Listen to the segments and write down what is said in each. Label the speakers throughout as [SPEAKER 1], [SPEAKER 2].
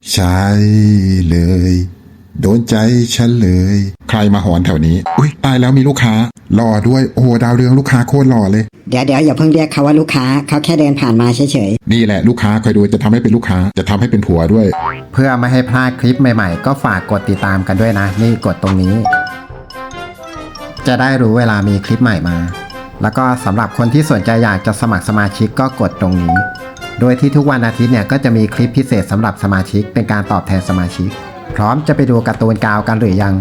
[SPEAKER 1] ใช่เลยโดนใจฉันเลยใครมาหอนแถวนี้อุ้ยตายแล้วมีลูกค้าหล่อด้วยโอ้โหดาวเรืองลูกค้าโคตรหล่อเลย
[SPEAKER 2] เดี๋ยวอย่าเพิ่งเรียกเขาว่าลูกค้าเขาแค่เดินผ่านมาเฉย
[SPEAKER 1] นี่แหละลูกค้าคอยดูจะทำให้เป็นลูกค้าจะทำให้เป็นผัวด้วย
[SPEAKER 3] เพื่อไม่ให้พลาดคลิปใหม่ๆก็ฝากกดติดตามกันด้วยนะนี่กดตรงนี้ จะได้รู้เวลามีคลิปใหม่มาแล้วก็สำหรับคนที่สนใจอยากจะสมัครสมาชิกก็กดตรงนี้โดยที่ทุกวันอาทิตย์เนี่ยก็จะมีคลิปพิเศษสำหรับสมาชิกเป็นการตอบแทนสมาชิกพร้อมจะไปดูการ์ตูนกาวกันหรือยัง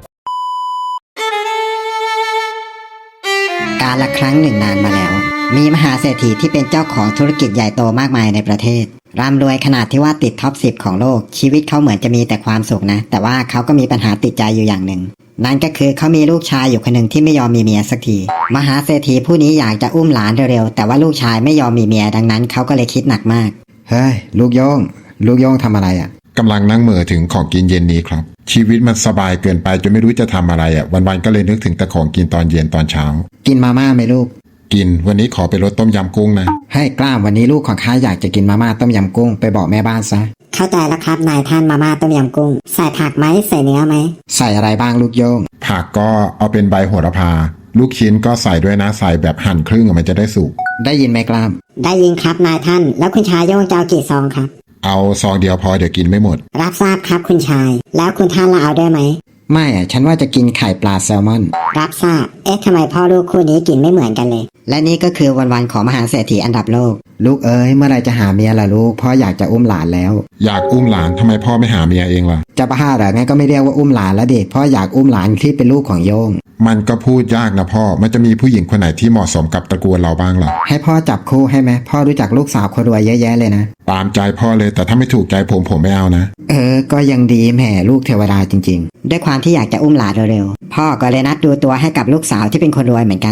[SPEAKER 2] ๆ กาลครั้งหนึ่งนานมาแล้วมีมหาเศรษฐีที่เป็นเจ้าของธุรกิจใหญ่โตมากมายในประเทศร่ำรวยขนาดที่ว่าติดท็อป 10 ของโลกชีวิตเขาเหมือนจะมีแต่ความสุขนะแต่ว่าเขาก็มีปัญหาติดใจอยู่อย่างหนึ่งนั่นก็คือเขามีลูกชายอยู่คนหนึ่งที่ไม่ยอมมีเมียสักทีมหาเศรษฐีผู้นี้อยากจะอุ้มหลานเร็วๆแต่ว่าลูกชายไม่ยอมมีเมียดังนั้นเขาก็เลยคิดหนักมาก
[SPEAKER 3] เฮ้ยลูกโย่งทำอะไรอ่ะ
[SPEAKER 1] กำลังนั่งเหม่อถึงของกินเย็นนี้ครับชีวิตมันสบายเกินไปจนไม่รู้จะทำอะไรอ่ะวันๆก็เลยนึกถึงแต่ของกินตอนเย็นตอนเช้า
[SPEAKER 3] กินมาม่าไหมลูก
[SPEAKER 1] กินวันนี้ขอไปรสต้มยำกุ้งนะ
[SPEAKER 3] ให้กล้ามวันนี้ลูกของข้าอยากจะกินมาม่าต้มยำกุ้งไปบอกแม่บ้านซะ
[SPEAKER 2] เข้าใจแล้วครับนายท่านมาม่าต้มยำกุ้งใส่ผักไหมใส่เนื้อไหม
[SPEAKER 3] ใส่อะไรบ้างลูกโย่ง
[SPEAKER 1] ผักก็เอาเป็นใบโหระพาลูกชิ้นก็ใส่ด้วยนะใส่แบบหั่นครึ่งมันจะได้สุก
[SPEAKER 3] ได้ยินไหมกล้าม
[SPEAKER 2] ได้ยินครับนายท่านแล้วคุณชายโย่งจะเอากี่ซองครับ
[SPEAKER 1] เอาซองเดียวพอเดี๋ยวกินไม่หมด
[SPEAKER 2] รับทราบครับคุณชายแล้วคุณท่านละเอาด้วยไหม
[SPEAKER 3] ไม่ฉันว่าจะกินไข่ปลาแซลมอน
[SPEAKER 2] รับทราบทำไมพ่อลูกคู่นี้กินไม่เหมือนกันเลยและนี่ก็คือวันๆของมหาเศรษฐีอันดับโลก
[SPEAKER 3] ลูกเอ้ยเมื่อไรจะหาเมียล่ะลูกพ่ออยากจะอุ้มหลานแล้ว
[SPEAKER 1] อยากอุ้มหลานทำไมพ่อไม่หาเมียเองล่ะ
[SPEAKER 3] จะบ้าเหรองั้นก็ไม่เรียกว่าอุ้มหลานแล้วเด็กพ่ออยากอุ้มหลานที่เป็นลูกของโยง
[SPEAKER 1] มันก็พูดยากนะพ่อมันจะมีผู้หญิงคนไหนที่เหมาะสมกับตระกูลเราบ้างล่ะ
[SPEAKER 3] ให้พ่อจับคู่ให้ไหมพ่อรู้จักลูกสาวคนรวยเยอะแยะเลยนะ
[SPEAKER 1] ตามใจพ่อเลยแต่ถ้าไม่ถูกใจผมไม่เอานะ
[SPEAKER 3] ก็ยังดีแหมลูกเทวดาจริง
[SPEAKER 2] ๆด้วยความที่อยากจะอุ้มหลานเร็วๆพ่อก็เลยนัดดูตัวให้กับลูกสาวที่เป็นคนรวยเหมือนกัน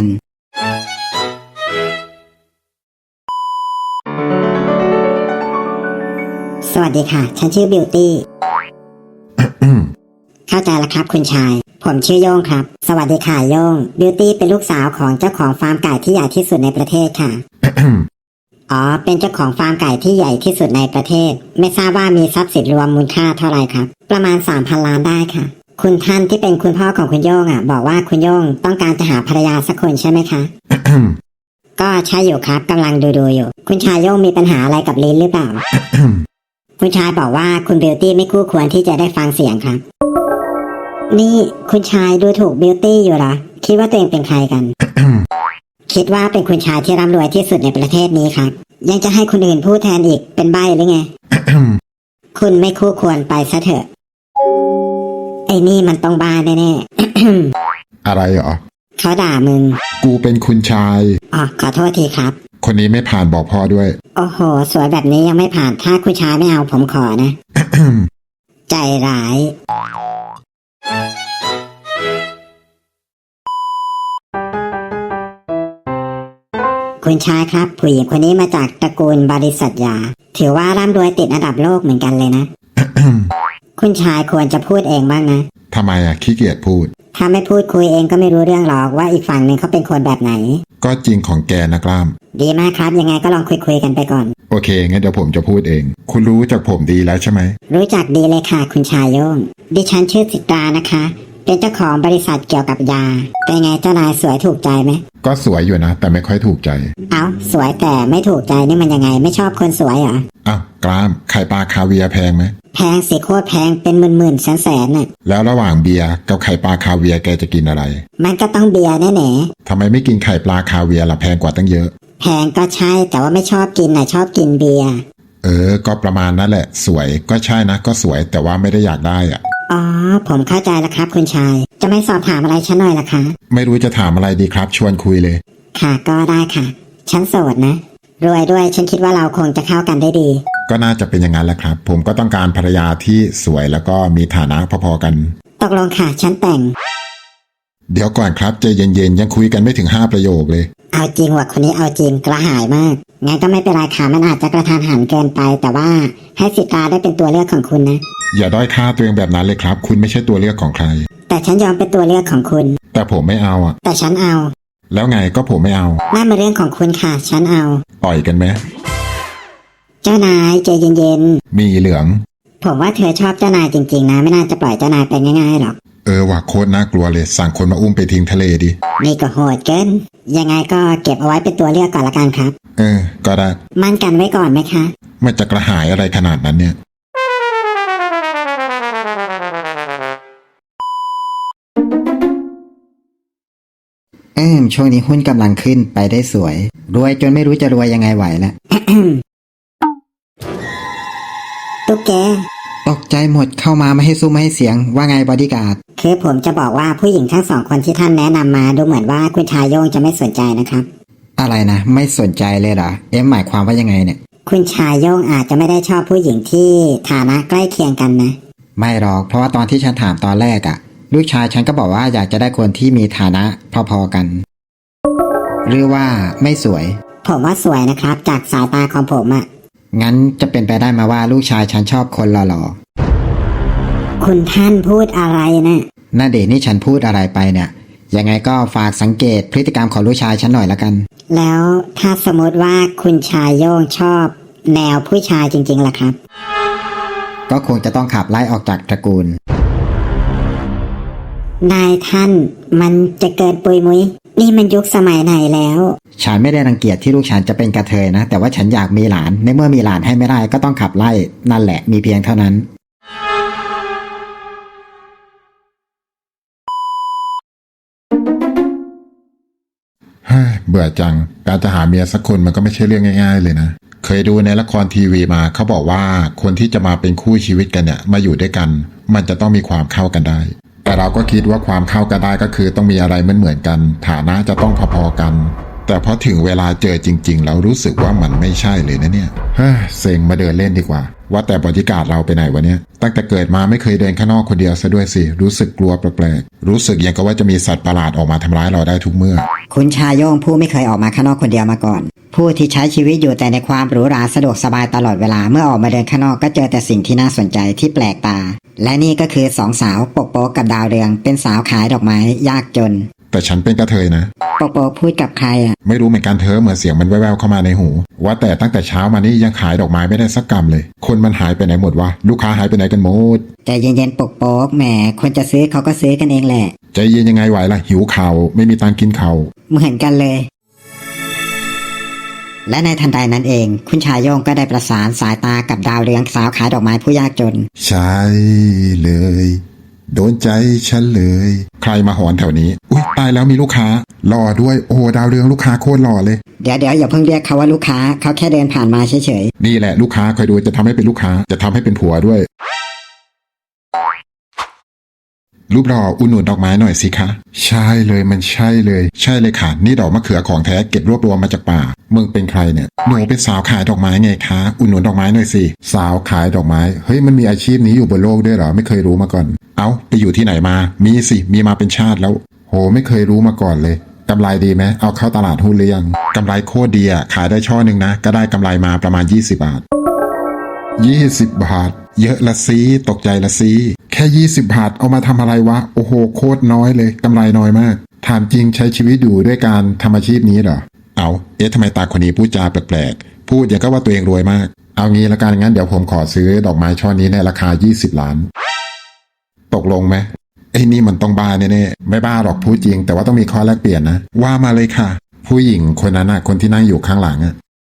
[SPEAKER 2] สวัสดีค่ะฉันชื่อบิวตี้ เข้าใจแล้วครับคุณชายผมชื่อโย่งครับสวัสดีค่ะโย่งบิวตี้เป็นลูกสาวของเจ้าของฟาร์มไก่ที่ใหญ่ที่สุดในประเทศค่ะ อ๋อเป็นเจ้าของฟาร์มไก่ที่ใหญ่ที่สุดในประเทศไม่ทราบว่ามีทรัพย์สินรวมมูลค่าเท่าไหร่ครับประมาณ 3,000 ล้านได้ค่ะคุณท่านที่เป็นคุณพ่อของคุณโย่งบอกว่าคุณโย่งต้องการจะหาภรรยาสักคนใช่ไหมคะ ก็ใช่อยู่ครับกำลังดูอยู่คุณชายโย่งมีปัญหาอะไรกับลิ้นหรือเปล่า คุณชายบอกว่าคุณบิวตี้ไม่คู่ควรที่จะได้ฟังเสียงครับนี่คุณชายดูถูกบิวตี้อยู่เหรอคิดว่าตัวเองเป็นใครกัน คิดว่าเป็นคุณชายที่ร่ำรวยที่สุดในประเทศนี้ครับยังจะให้คนอื่นพูดแทนอีกเป็นใบ้หรือไง คุณไม่คู่ควรไปซะเถอะไอ้นี่มันต้องบ้าแน่
[SPEAKER 1] ๆ อะไรเหรอ
[SPEAKER 2] เขาด่ามึง
[SPEAKER 1] กูเป็นคุณชาย
[SPEAKER 2] อ๋อขอโทษทีครับ
[SPEAKER 1] คนนี้ไม่ผ่านบอกพ่อด้วย
[SPEAKER 2] โอ้โหสวยแบบนี้ยังไม่ผ่านถ้าคุณชายไม่เอาผมขอนะ ใจร้ายคุณชายครับผู้หญิงคนนี้มาจากตระกูลบริษัทยาถือว่าร่ำรวยติดอันดับโลกเหมือนกันเลยนะ คุณชายควรจะพูดเองบ้างนะ
[SPEAKER 1] ทำไมขี้เกียจพูด
[SPEAKER 2] ถ้าไม่พูดคุยเองก็ไม่รู้เรื่องหรอกว่าอีกฝั่งหนึ่งเขาเป็นคนแบบไหน
[SPEAKER 1] ก็จริงของแกนะกล้าม
[SPEAKER 2] ดีมากครับยังไงก็ลองคุยกันไปก่อน
[SPEAKER 1] โอเคงั้นเดี๋ยวผมจะพูดเองคุณรู้จักผมดีแล้วใช่ไหม
[SPEAKER 2] รู้จักดีเลยค่ะคุณชายโย่งดิฉันชื่อสิตรานะคะเป็นเจ้าของบริษัทเกี่ยวกับยาเป็นไงเจ้านายสวยถูกใจไหม
[SPEAKER 1] ก็สวยอยู่นะแต่ไม่ค่อยถูกใจ
[SPEAKER 2] เอาสวยแต่ไม่ถูกใจนี่มันยังไงไม่ชอบคนสวยเหรอ
[SPEAKER 1] อ้าวกล้ามไข่ปลาคาเวียร์แพงไหม
[SPEAKER 2] แพงสิโคตรแพงเป็นหมื่นแสนน่ะ
[SPEAKER 1] แล้วระหว่างเบียร์กับไข่ปลาคาเวียร์แกจะกินอะไร
[SPEAKER 2] มันก็ต้องเบียร์แน่
[SPEAKER 1] ๆทำไมไม่กินไข่ปลาคาเวียร์ล่ะแพงกว่าตั้งเยอะ
[SPEAKER 2] แพงก็ใช่แต่ว่าไม่ชอบกินชอบกินเบียร์
[SPEAKER 1] ก็ประมาณนั่นแหละสวยก็ใช่นะก็สวยแต่ว่าไม่ได้อยากได้อ่ะ
[SPEAKER 2] อ๋อผมเข้าใจแล้วครับคุณชายจะไม่สอบถามอะไรฉันหน่อยล่ะคะ
[SPEAKER 1] ไม่รู้จะถามอะไรดีครับชวนคุยเลย
[SPEAKER 2] ค่ะก็ได้ค่ะฉันโสดนะรวยด้วยฉันคิดว่าเราคงจะเข้ากันได้ดี
[SPEAKER 1] ก็น่าจะเป็นอย่างนั้นแหละครับผมก็ต้องการภรรยาที่สวยแล้วก็มีฐานะพอๆกัน
[SPEAKER 2] ตกลงค่ะฉันแต่ง
[SPEAKER 1] เดี๋ยวก่อนครับใจเย็นๆยังคุยกันไม่ถึง5ประโยคเลย
[SPEAKER 2] เอาจริงว่ะคนนี้เอาจริงกระหายมากงั้นก็ไม่เป็นไรค่ะมันอาจจะกระทันหันเกินไปแต่ว่าให้สิตาได้เป็นตัวเลือกของคุณนะ
[SPEAKER 1] อย่าด้อยค่าตัวเองแบบนั้นเลยครับคุณไม่ใช่ตัวเลือกของใคร
[SPEAKER 2] แต่ฉันยอมเป็นตัวเลือกของคุณ
[SPEAKER 1] แต่ผมไม่เอาอ่ะ
[SPEAKER 2] แต่ฉันเอา
[SPEAKER 1] แล้วไงก็ผมไม่เอา
[SPEAKER 2] นั่นเป็นเรื่องของคุณค่ะฉันเอา
[SPEAKER 1] ต่อยกันไหม
[SPEAKER 2] เจ้านายใจเย็น
[SPEAKER 1] ๆมีเหลือง
[SPEAKER 2] ผมว่าเธอชอบเจ้านายจริงๆนะไม่น่าจะปล่อยเจ้านายไปง่ายๆหรอก
[SPEAKER 1] ว่ะโคตรน่ากลัวเลยสั่งคนมาอุ้มไปทิ้งทะเลดิ
[SPEAKER 2] นี่ก็โหดเกินยังไงก็เก็บเอาไว้เป็นตัวเลือกก่อนละกันครับ
[SPEAKER 1] ก็ได้
[SPEAKER 2] มั่นกันไว้ก่อนไหมคะ
[SPEAKER 1] มันจะกระหายอะไรขนาดนั้นเนี่ย
[SPEAKER 3] ช่วงนี้หุ้นกำลังขึ้นไปได้สวย รวยจนไม่รู้จะรวยยังไงไหวแล้ว
[SPEAKER 2] ตุ๊กแก
[SPEAKER 3] ตกใจหมดเข้ามาไม่ให้ซุ้มไม่ให้เสียงว่าไงบอดี้การ์ด
[SPEAKER 2] คือผมจะบอกว่าผู้หญิงทั้งสองคนที่ท่านแนะนำมาดูเหมือนว่าคุณชายโยงจะไม่สนใจนะครับ
[SPEAKER 3] อะไรนะไม่สนใจเลยเหรอหมายความว่ายังไงเนี่ย
[SPEAKER 2] คุณชายโยงอาจจะไม่ได้ชอบผู้หญิงที่ฐานะใกล้เคียงกันนะ
[SPEAKER 3] ไม่หรอกเพราะว่าตอนที่ฉันถามตอนแรกอะลูกชายฉันก็บอกว่าอยากจะได้คนที่มีฐานะพอๆกัน หรือว่าไม่สวย
[SPEAKER 2] ผมว่าสวยนะครับจากสายตาของผมอะ
[SPEAKER 3] งั้นจะเป็นไปได้มาว่าลูกชายฉันชอบคนหล่อ
[SPEAKER 2] คุณท่านพูดอะไรนะ
[SPEAKER 3] ๆน่าเดชนี่ฉันพูดอะไรไปเนี่ยยังไงก็ฝากสังเกตพฤติกรรมของลูกชายฉันหน่อยละกัน
[SPEAKER 2] แล้วถ้าสมมติว่าคุณชายโยงชอบแนวผู้ชายจริงๆล่ะครับ
[SPEAKER 3] ก็คงจะต้องขับไล่ออกจากตระกูล
[SPEAKER 2] นายท่านมันจะเกินปุยมุยนี่มันยุคสมัยไหนแล้ว
[SPEAKER 3] ฉันไม่ได้รังเกียจที่ลูกฉันจะเป็นกระเทยนะแต่ว่าฉันอยากมีหลานในเมื่อมีหลานให้ไม่ได้ก็ต้องขับไล่นั่นแหละมีเพียงเท่านั้น
[SPEAKER 1] เบื่อจังการจะหาเมียสักคนมันก็ไม่ใช่เรื่องง่ายๆเลยนะเคยดูในละครทีวีมาเขาบอกว่าคนที่จะมาเป็นคู่ชีวิตกันเนี่ยมาอยู่ด้วยกันมันจะต้องมีความเข้ากันได้แต่เราก็คิดว่าความเข้ากันได้ก็คือต้องมีอะไรเหมือนกันฐานะจะต้องพอๆกันแต่พอถึงเวลาเจอจริงๆแล้วรู้สึกว่ามันไม่ใช่เลยนะเนี่ยเซ็งมาเดินเล่นดีกว่าว่าแต่บรรยากาศเราไปไหนวะเนี่ยตั้งแต่เกิดมาไม่เคยเดินข้างนอกคนเดียวซะด้วยสิรู้สึกกลัวแปลกๆรู้สึกอย่างกับว่าจะมีสัตว์ประหลาดออกมาทำร้ายเราได้ทุกเมื่อ
[SPEAKER 4] คุณชายโยงผู้ไม่เคยออกมาข้างนอกคนเดียวมาก่อน ผู้ที่ใช้ชีวิตอยู่แต่ในความหรูหราสะดวกสบายตลอดเวลาเมื่อออกมาเดินข้างนอกก็เจอแต่สิ่งที่น่าสนใจที่แปลกตา และนี่ก็คือสองสาวปกโป๊กกับดาวเรืองเป็นสาวขายดอกไม้ยากจน
[SPEAKER 1] แต่ฉันเป็นกระเทยนะ
[SPEAKER 4] ปกโป๊กพูดกับใครอ่ะ
[SPEAKER 1] ไม่รู้เหมือนกันเธอเหมือนเสียงมันแว่วๆเข้ามาในหู ว่าแต่ตั้งแต่เช้ามานี่ยังขายดอกไม้ไม่ได้สักกำเลย คนมันหายไปไหนหมดวะลูกค้าหายไปไหนกันหมด
[SPEAKER 4] ใจเย็นๆปกโป๊กแหมคนจะซื้อเขาก็ซื้อกันเองแหละ
[SPEAKER 1] ใจเย็นยังไงไหวล่ะหิวข่าวไม่มีตังค์กินข่าว
[SPEAKER 4] เหมือนกันเลย และในทันใดนั้นเองคุณชายโยงก็ได้ประสานสายตากับดาวเรืองสาวขายดอกไม้ผู้ยากจน
[SPEAKER 1] ใช่เลย โดนใจฉันเลย ใครมาหอนแถวนี้อุ๊ยตายแล้วมีลูกค้ารอด้วยโอ้ดาวเรืองลูกค้าโคตรหล่อเลย
[SPEAKER 4] เดี๋ยวอย่าเพิ่งเรียกเขาว่าลูกค้าเขาแค่เดินผ่านมาเฉย
[SPEAKER 1] นี่แหละลูกค้าคอยดูจะทำให้เป็นลูกค้าจะทำให้เป็นผัวด้วย รูปหล่ออุ่นหนุนดอกไม้หน่อยสิคะใช่เลยมันใช่เลยค่ะนี่ดอกมะเขือของแท้เก็บรวบรวมมาจากป่ามึงเป็นใครเนี่ยหนูเป็นสาวขายดอกไม้ไงคะอุ่นหนุนดอกไม้หน่อยสิสาวขายดอกไม้เฮ้ยมันมีอาชีพนี้อยู่บนโลกด้วยเหรอไม่เคยรู้มาก่อนเอาไปอยู่ที่ไหนมามีสิมีมาเป็นชาติแล้วโหไม่เคยรู้มาก่อนเลยกำไรดีไหมเอาเข้าตลาดหุ้นหรือยังกำไรโคตรดีอ่ะขายได้ช่อหนึ่งนะก็ได้กำไรมาประมาณ20 บาท20 บาทเยอะละซีตกใจละซีแค่20 บาทเอามาทำอะไรวะโอ้โหโคตรน้อยเลยกำไรน้อยมากถามจริงใช้ชีวิตอยู่ด้วยการทำอาชีพนี้เหรอเอาทำไมตาคนนี้พูดจาแปลกๆพูดอย่างก็ว่าตัวเองรวยมากเอางี้ละกันงั้นเดี๋ยวผมขอซื้อดอกไม้ช่อนี้ในราคา20 ล้านตกลงไหมไอ้นี่มันต้องบ้าแน่ๆไม่บ้าหรอกพูดจริงแต่ว่าต้องมีข้อแลกเปลี่ยนนะว่ามาเลยค่ะผู้หญิงคนนั้นน่ะคนที่นั่งอยู่ข้างหลังอ่ะ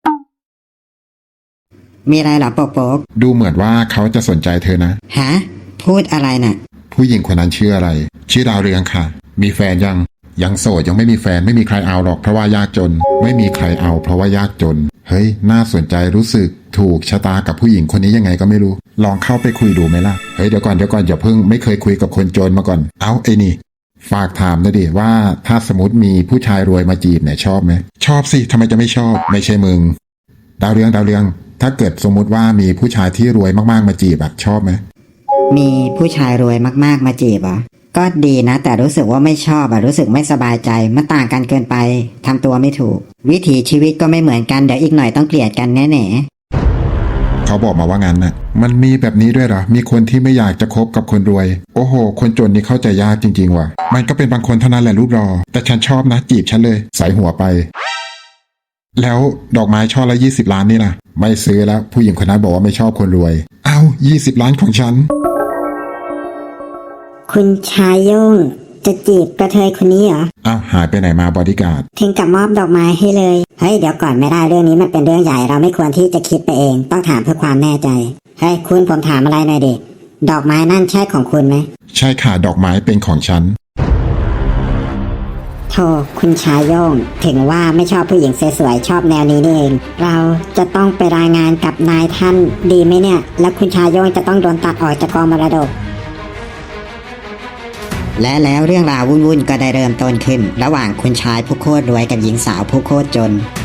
[SPEAKER 4] ๆมีอะไรเหรอปกโป๊ก
[SPEAKER 1] ดูเหมือนว่าเขาจะสนใจเธอนะ
[SPEAKER 4] ฮะพูดอะไรน่ะ
[SPEAKER 1] ผู้หญิงคนนั้นชื่ออะไรชื่อดาวเรืองค่ะมีแฟนยังโสดยังไม่มีแฟนไม่มีใครเอาหรอกเพราะว่ายากจนไม่มีใครเอาเพราะว่ายากจนเฮ้ยน่าสนใจรู้สึกถูกชะตากับผู้หญิงคนนี้ยังไงก็ไม่รู้ลองเข้าไปคุยดูไหมล่ะเฮ้ยเดี๋ยวก่อนอย่าเพิ่งไม่เคยคุยกับคนจนมาก่อนเอาไอ้นี่ฝากถามนะดิว่าถ้าสมมติมีผู้ชายรวยมาจีบเนี่ยชอบไหมชอบสิทำไมจะไม่ชอบไม่ใช่มึงดาวเรืองถ้าเกิดสมมุติว่ามีผู้ชายที่รวยมากๆมาจีบอะชอบไหม
[SPEAKER 4] มีผู้ชายรวยมากๆมาจีบเหรอก็ดีนะแต่รู้สึกว่าไม่ชอบรู้สึกไม่สบายใจมันต่างกันเกินไปทำตัวไม่ถูกวิถีชีวิตก็ไม่เหมือนกันเดี๋ยวอีกหน่อยต้องเกลียดกันแน่ๆ
[SPEAKER 1] เขาบอกมาว่างั้นน่ะมันมีแบบนี้ด้วยเหรอมีคนที่ไม่อยากจะคบกับคนรวยโอ้โหคนจนนี่เข้าใจยากจริงๆว่ะมันก็เป็นบางคนเท่านั้นแหละรูปรอแต่ฉันชอบนะจีบฉันเลยใส่หัวไปแล้วดอกไม้ช่อละ20 ล้านนี่ล่ะไม่ซื้อแล้วผู้หญิงคนนั้นบอกว่าไม่ชอบคนรวย เอา20 ล้านของฉัน
[SPEAKER 2] คุณชายโย่งจะจีบกระเทยคนนี้เหรอ
[SPEAKER 1] อ้าวหายไปไหนมาบอดี้การ์ด
[SPEAKER 2] ถึงกับมอบดอกไม้ให้เลย เฮ้ยเดี๋ยวก่อนไม่ได้เรื่องนี้มันเป็นเรื่องใหญ่เราไม่ควรที่จะคิดไปเองต้องถามเพื่อความแน่ใจ เฮ้ยคุณผมถามอะไรหน่อยดิดอกไม้นั่นใช่ของคุณไหม
[SPEAKER 1] ใช่ค่ะดอกไม้เป็นของฉัน
[SPEAKER 2] โธ่คุณชายโย่งถึงว่าไม่ชอบผู้หญิงสวยๆชอบแนวนี้นี่เอง เราจะต้องไปรายงานกับนายท่านดีไหมเนี่ย แล้วคุณชายโย่งจะต้องโดนตัดออกจากกองมรดก
[SPEAKER 4] และแล้วเรื่องราววุ่นๆก็ได้เริ่มต้นขึ้น ระหว่างคุณชายผู้โคตรรวยกับหญิงสาวผู้โคตรจน